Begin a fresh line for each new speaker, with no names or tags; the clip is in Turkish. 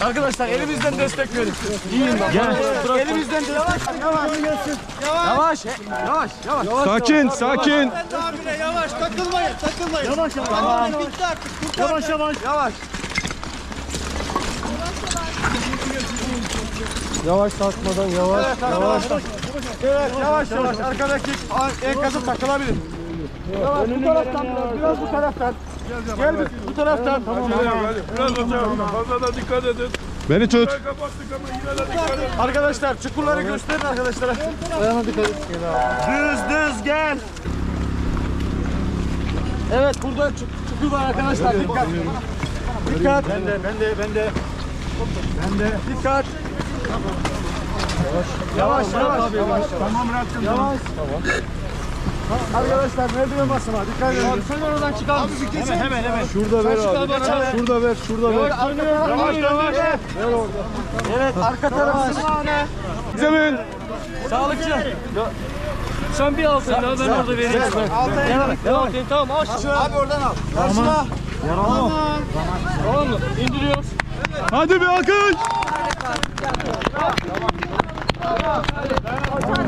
Arkadaşlar elimizden destek verin. İyiyim ben. Gel. Elimizden destek. Yavaş. Yavaş.
Sakin, sakin.
Abine yavaş takılmayın.
Yavaş.
Tamam. Bitti artık.
Yavaş.
Yavaş sarkmadan yavaş.
Evet, yavaş. Arkadaki enkazı takılabilir. Yavaş, bu taraftan biraz bu taraftan. Gel bu taraftan. Tamam.
Biraz hocam, fazla da dikkat edin.
Beni tut.
Kapattık ama yine de dikkat edin.
Arkadaşlar çukurları gösterin arkadaşlara. Ayağına dikkat et. Düz gel. Evet burada çukur var arkadaşlar. Dikkat. Ben de. Dikkat. Yavaş.
Tamam bıraktım.
Yavaş. Arkadaşlar merdiven basma. Dikkat edin. Sen oradan çıkar mısın? Hemen.
Şurada ver abi. Şurada ver.
Yavaş. Evet arka tarafı.
Zemin.
Sağlıkçı.
Sen bir al sen ben orada vereyim. Devam edin tamam aşağı.
Abi oradan al. Karşına.
Tamam mı? İndiriyoruz.
Hadi bir akın.